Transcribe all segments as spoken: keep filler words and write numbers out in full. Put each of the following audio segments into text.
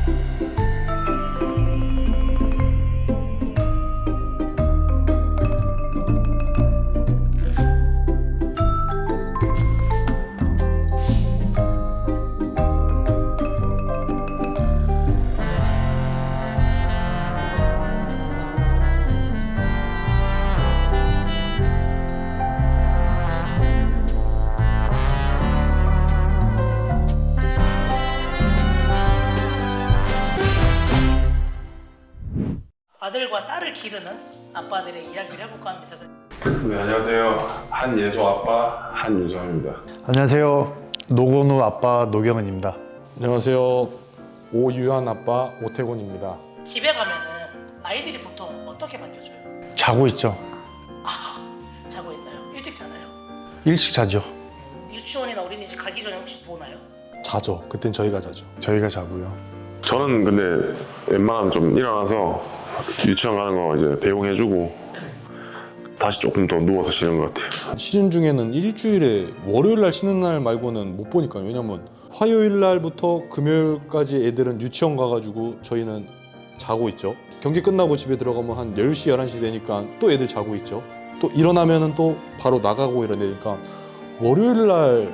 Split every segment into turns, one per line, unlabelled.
아들과 딸을 기르는 아빠들의 이야기를 해볼까 합니다.
네, 안녕하세요. 한예소 아빠 한유성입니다.
안녕하세요. 노건우 아빠 노경은입니다.
안녕하세요. 오유한 아빠 오태곤입니다.
집에 가면은 아이들이 보통 어떻게 반겨줘요?
자고 있죠.
아, 자고 있나요? 일찍 자나요?
일찍 자죠.
유치원이나 어린이집 가기 전에 혹시 보나요?
자죠. 그땐 저희가 자죠.
저희가 자고요.
저는 근데 웬만하면 좀 일어나서 유치원 가는 거 이제 배웅해주고 다시 조금 더 누워서 쉬는 것 같아요.
쉬는 중에는 일주일에 월요일 날 쉬는 날 말고는 못 보니까요. 왜냐면 화요일 날부터 금요일까지 애들은 유치원 가가지고 저희는 자고 있죠. 경기 끝나고 집에 들어가면 한 열 시, 열한 시 되니까 또 애들 자고 있죠. 또 일어나면은 또 바로 나가고 이러니까 월요일 날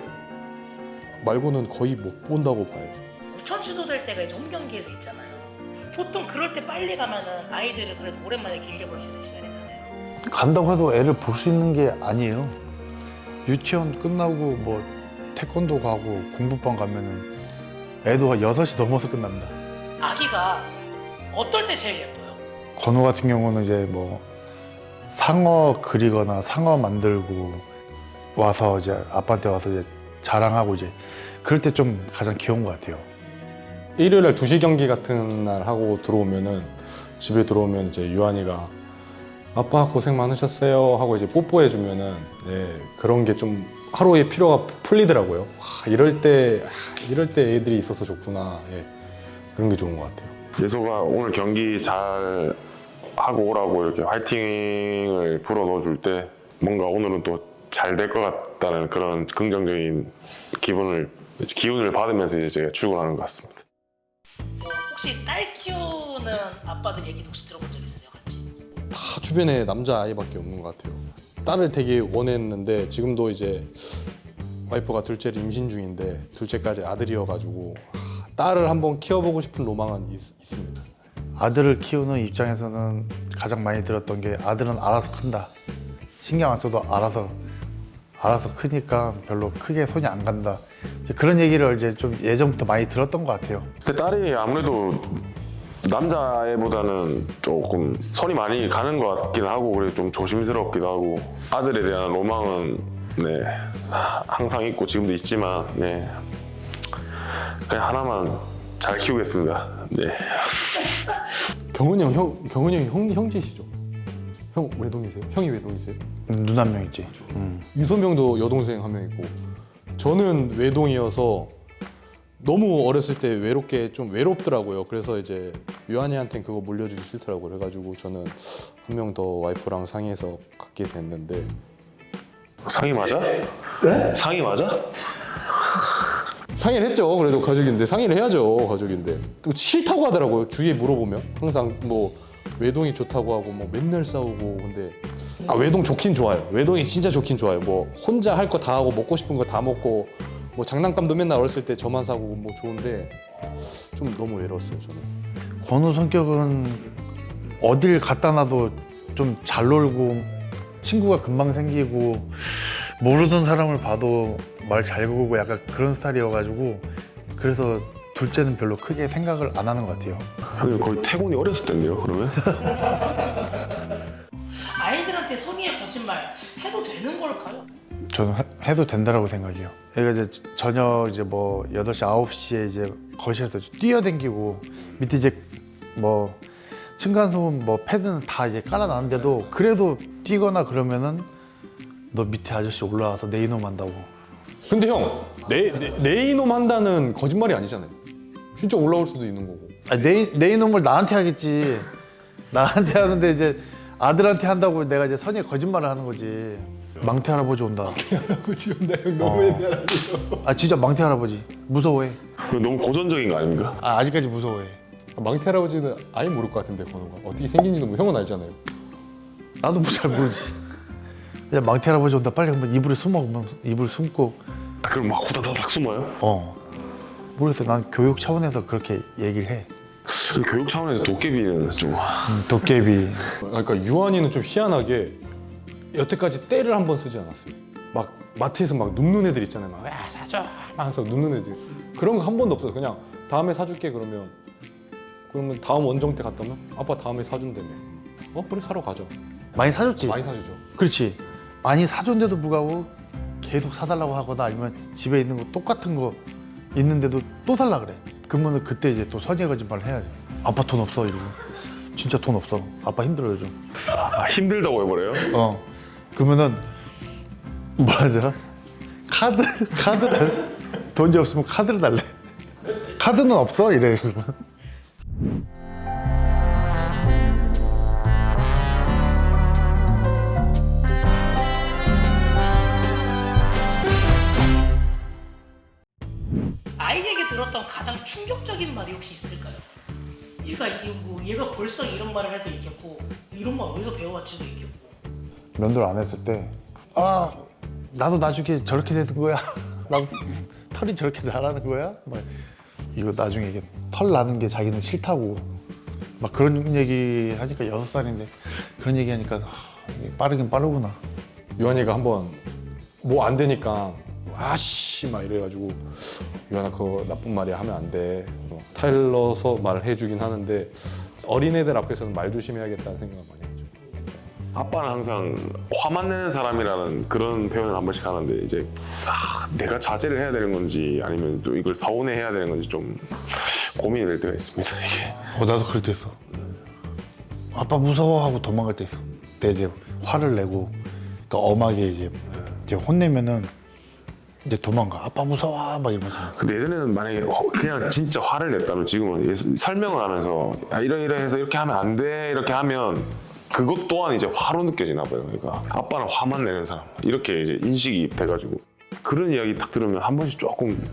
말고는 거의 못 본다고 봐야죠.
우천 취소될 때가 이제 홈경기에서 있잖아요. 보통 그럴 때 빨리 가면은 아이들을 그래도 오랜만에 길게 볼 수 있는 시간이잖아요.
간다고 해도 애를 볼 수 있는 게 아니에요. 유치원 끝나고 뭐 태권도 가고 공부방 가면은 애도 여섯 시 넘어서 끝납니다.
아기가 어떨 때 제일 예뻐요?
건우 같은 경우는 이제 뭐 상어 그리거나 상어 만들고 와서 이제 아빠한테 와서 이제 자랑하고 이제 그럴 때 좀 가장 귀여운 것 같아요.
일요일 날 두 시 경기 같은 날 하고 들어오면은 집에 들어오면 이제 유한이가 아빠 고생 많으셨어요 하고 이제 뽀뽀해 주면은 네, 그런 게 좀 하루의 피로가 풀리더라고요. 아, 이럴 때 아, 이럴 때 애들이 있어서 좋구나. 예, 그런 게 좋은 것 같아요.
예소가 오늘 경기 잘 하고 오라고 이렇게 화이팅을 불어 넣어줄 때 뭔가 오늘은 또 잘 될 것 같다는 그런 긍정적인 기분을 기운을 받으면서 이제 제가 출근하는 것 같습니다.
뭐 혹시 딸 키우는 아빠들 얘기도 혹시 들어본 적 있으세요? 같이?
다 주변에 남자 아이밖에 없는 것 같아요. 딸을 되게 원했는데 지금도 이제 와이프가 둘째를 임신 중인데 둘째까지 아들이어가지고 아, 딸을 한번 키워보고 싶은 로망은 있, 있습니다.
아들을 키우는 입장에서는 가장 많이 들었던 게 아들은 알아서 큰다. 신경 안 써도 알아서 알아서 크니까 별로 크게 손이 안 간다. 이제 그런 얘기를 이제 좀 예전부터 많이 들었던 것 같아요.
근데 딸이 아무래도 남자애보다는 조금 손이 많이 가는 것 같긴 하고 그래 좀 조심스럽기도 하고 아들에 대한 로망은 네 항상 있고 지금도 있지만 네 그냥 하나만 잘 키우겠습니다. 네.
경은이 형, 형 경은이 형이 형, 형제시죠? 형 외동이세요? 형이 외동이세요?
눈 한 명 있지. 음.
유소명도 여동생 한 명 있고 저는 외동이어서 너무 어렸을 때 외롭게 좀 외롭더라고요. 그래서 이제 유한이한테는 그거 물려주기 싫더라고요. 그래가지고 저는 한 명 더 와이프랑 상의해서 갖게 됐는데
상이 맞아? 네? 상이 맞아?
상의를 했죠. 그래도 가족인데 상의를 해야죠. 가족인데 또 싫다고 하더라고요. 주위에 물어보면 항상 뭐 외동이 좋다고 하고 뭐 맨날 싸우고 근데 아 외동 좋긴 좋아요. 외동이 진짜 좋긴 좋아요. 뭐 혼자 할 거 다 하고 먹고 싶은 거 다 먹고 뭐 장난감도 맨날 어렸을 때 저만 사고 뭐 좋은데 좀 너무 외로웠어요 저는.
건우 성격은 어딜 갖다 놔도 좀 잘 놀고 친구가 금방 생기고 모르는 사람을 봐도 말 잘 걸고 약간 그런 스타일이어가지고 그래서 둘째는 별로 크게 생각을 안 하는 것 같아요.
형님 거의 태곤이 어렸을 텐데요 그러면?
아이들한테 성의의 거짓말 해도 되는 걸까요?
저는 해- 해도 된다라고 생각해요. 얘가 이제 저녁 이제 뭐 여덟 시, 아홉 시에 이제 거실에서 뛰어댕기고 밑에 이제 뭐 층간소음 뭐 패드는 다 이제 깔아놨는데도 그래도 뛰거나 그러면은 너 밑에 아저씨 올라와서 내 이놈 한다고.
근데 형, 내, 내, 내 이놈 한다는 거짓말이 아니잖아요. 진짜 올라올 수도 있는 거고.
아니, 내, 내 이놈을 나한테 하겠지. 나한테 하는데 이제 아들한테 한다고 내가 이제 선의의 거짓말을 하는 거지. 망태 할아버지 온다.
할아버지 온다 형
어.
너무 옛날 아니에요.
아 진짜 망태 할아버지 무서워해.
너무 고전적인 거 아닙니까?
아, 아직까지 무서워해.
망태 할아버지는 아예 모를 것 같은데 건우가 어떻게 생긴지도 뭐 형은 알잖아요.
나도 뭐 잘 모르지. 그냥 망태 할아버지 온다 빨리 그러면 이불에 숨어 그러면 이불 숨고
아, 그럼 막 후다다닥 숨어요?
어 모르겠어. 난 교육 차원에서 그렇게 얘기를 해.
그 교육 차원에서 도깨비는 좀
음, 도깨비.
그러니까 유한이는 좀 희한하게 여태까지 때를 한 번 쓰지 않았어요. 막 마트에서 막 눕는 애들 있잖아요. 막 야, 사줘 막 하면서 눕는 애들. 그런 거 한 번도 없어요. 그냥 다음에 사줄게 그러면 그러면 다음 원정 때 갔다 오면 아빠 다음에 사준다며. 어 그래 사러 가죠.
많이 사줬지.
많이 사주죠.
그렇지. 많이 사줬는데도 불구하고 계속 사달라고 하거나 아니면 집에 있는 거 똑같은 거 있는데도 또 살라 그래. 그러면 그때 이제 또 선의의 거짓말을 해야지. 아빠 돈 없어 이러고. 진짜 돈 없어. 아빠 힘들어요 좀.
아, 힘들다고 해버려요?
어. 그러면은 뭐라 하더라? 카드 카드 달래. 돈이 없으면 카드를 달래. 카드는 없어 이래. 그러면.
아이에게 들었던 가장 충격적인 말이 혹시 있을까요? 얘가 이- 뭐 얘가 벌써 이런 말을 해도 있겠고 이런 말 어디서 배워왔지도 있겠고.
면도를 안 했을 때 아 나도 나중에 저렇게 되는 거야. 나도 털이 저렇게 나라는 거야. 막 이거 나중에 이게 털 나는 게 자기는 싫다고 막 그런 얘기 하니까 여섯 살인데 그런 얘기 하니까 하, 이게 빠르긴 빠르구나.
유한이가 한번 뭐 안 되니까 아씨 막 이래가지고 유한아 그거 나쁜 말이야 하면 안 돼. 어, 타일러서 말을 해주긴 하는데 어린애들 앞에서는 말 조심해야겠다는 생각을 많이 하죠.
아빠는 항상 화만 내는 사람이라는 그런 표현을 한 번씩 하는데 이제 아, 내가 자제를 해야 되는 건지 아니면 또 이걸 서운해 해야 되는 건지 좀 고민이 될 때가 있습니다. 이게.
어 나도 그럴 때 있어. 아빠 무서워하고 도망갈 때 있어. 근데 이제 화를 내고 그러니까 엄하게 이제 이제 혼내면은 이제 도망가. 아빠 무서워 막 이러면서.
근데 예전에는 만약에 어, 그냥 진짜 화를 냈다면 지금은 예- 설명을 하면서 야, 이러이러해서 이렇게 하면 안 돼 이렇게 하면 그것 또한 이제 화로 느껴지나 봐요. 그러니까 아빠는 화만 내는 사람 이렇게 이제 인식이 돼가지고 그런 이야기 딱 들으면 한 번씩 조금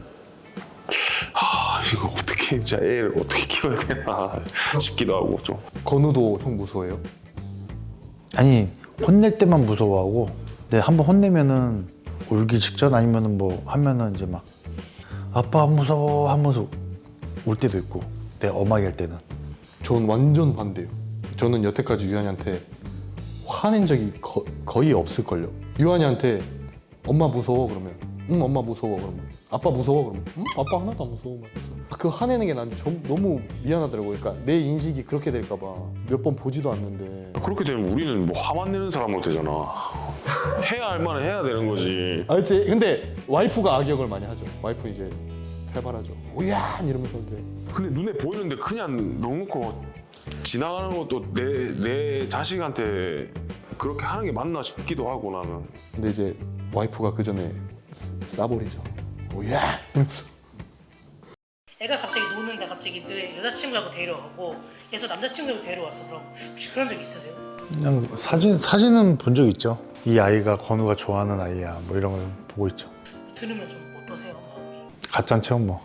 아 이거 어떻게 진짜 애를 어떻게 키워야 되나 싶기도 하고 좀.
건우도 형 무서워해요?
아니 혼낼 때만 무서워하고 근데 한번 혼내면은 울기 직전 아니면은 뭐 하면은 이제 막 아빠 안 무서워 하면서 울 때도 있고 내가 엄하게 할 때는.
전 완전 반대예요. 저는 여태까지 유한이한테 화낸 적이 거, 거의 없을걸요. 유한이한테 엄마 무서워 그러면 응 엄마 무서워 그러면 아빠 무서워 그러면 응 아빠 하나도 안 무서워 말면서 그 화내는 게 난 너무 미안하더라고요. 그러니까 내 인식이 그렇게 될까 봐 몇 번 보지도 않는데
그렇게 되면 우리는 뭐 화만 내는 사람으로 되잖아. 해야 할 만은 해야 되는 거지.
아 그치 근데 와이프가 악역을 많이 하죠. 와이프 이제 살벌하죠. 오야 이러면서 근데
근데 눈에 보이는데 그냥 넣어놓고 지나가는 것도 내, 내 자식한테 그렇게 하는 게 맞나 싶기도 하고 나는.
근데 이제 와이프가 그 전에 싸버리죠. 오야 이러면서
애가 갑자기 노는데 갑자기 내 여자친구하고 데려가고 얘서 남자친구하고 데려왔어. 그럼 혹시 그런 적 있으세요?
그냥 사진 사진은 본 적 있죠. 이 아이가 건우가 좋아하는 아이야 뭐 이런 걸 보고 있죠.
들으면 좀 어떠세요? 마음이?
가짠 체험 뭐.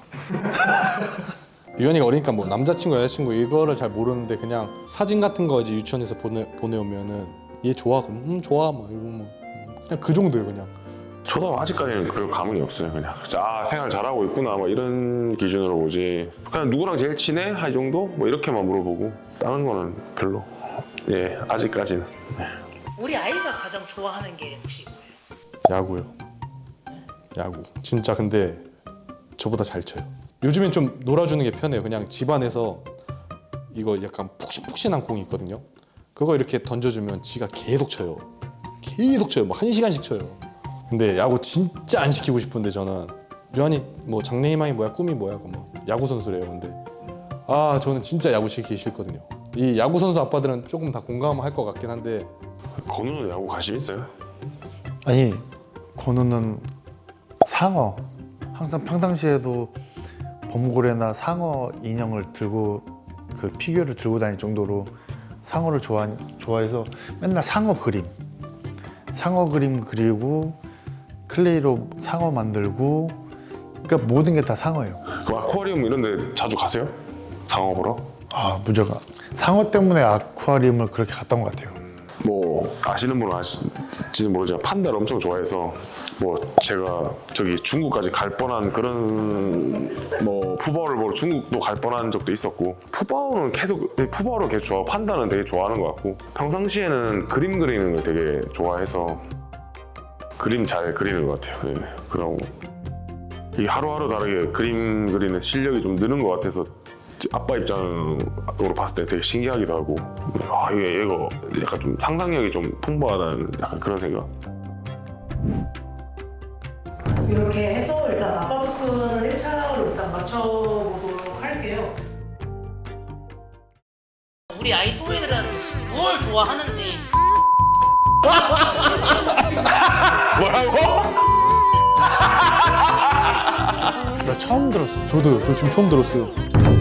유연이가 어리니까 뭐 남자친구 여자친구 이거를 잘 모르는데 그냥 사진 같은 거 이제 유치원에서 보내 보내오면은 얘 좋아 그럼 음 좋아 막 이러고 뭐 그냥 그 정도예요 그냥.
저도 아직까지는 그럴 감흥이 없어요. 그냥 아 생활 잘하고 있구나 뭐 이런 기준으로 보지. 그냥 누구랑 제일 친해? 할 정도? 뭐 이렇게만 물어보고 다른 거는 별로. 예 아직까지는.
우리 아이가 가장 좋아하는 게 혹시 뭐예요?
야구요. 야구. 진짜 근데 저보다 잘 쳐요. 요즘엔 좀 놀아주는 게 편해요. 그냥 집안에서 이거 약간 푹신푹신한 공이 있거든요. 그거 이렇게 던져주면 지가 계속 쳐요. 계속 쳐요. 뭐 한 시간씩 쳐요. 근데 야구 진짜 안 시키고 싶은데 저는 유한이 뭐 장래희망이 뭐야 꿈이 뭐야 그뭐 야구 선수래요. 근데 아 저는 진짜 야구 시키기 싫거든요. 이 야구 선수 아빠들은 조금 다 공감할 것 같긴 한데
건우는 야구 관심 있어요?
아니 건우는 상어 항상 평상시에도 범고래나 상어 인형을 들고 그 피규어를 들고 다닐 정도로 상어를 좋아 좋아해서 맨날 상어 그림 상어 그림 그리고 클레이로 상어 만들고 그러니까 모든 게 다 상어예요.
그 아쿠아리움 이런 데 자주 가세요? 상어 보러?
아 무조건 상어 때문에 아쿠아리움을 그렇게 갔던 것 같아요.
뭐 아시는 분은 아실지는 모르지만 판다를 엄청 좋아해서 뭐 제가 저기 중국까지 갈 뻔한 그런 뭐 푸바오를 보러 중국도 갈 뻔한 적도 있었고 푸바오는 계속 푸바오를 계속 좋아하고 판다는 되게 좋아하는 것 같고 평상시에는 그림 그리는 걸 되게 좋아해서 그림 잘 그리는 것 같아요. 네. 그러고 이 하루하루 다르게 그림 그리는 실력이 좀 느는 것 같아서 아빠 입장으로 봤을 때 되게 신기하기도 하고 아 이게 얘가 약간 좀 상상력이 좀 풍부하다는 약간 그런 생각.
이렇게 해서 일단 아바두크는 일 차를 일단 맞춰보도록 할게요. 우리 아이 또래들은 뭘 좋아하는지.
뭐라고?
나 처음 들었어.
저도요. 저 지금 처음 들었어요.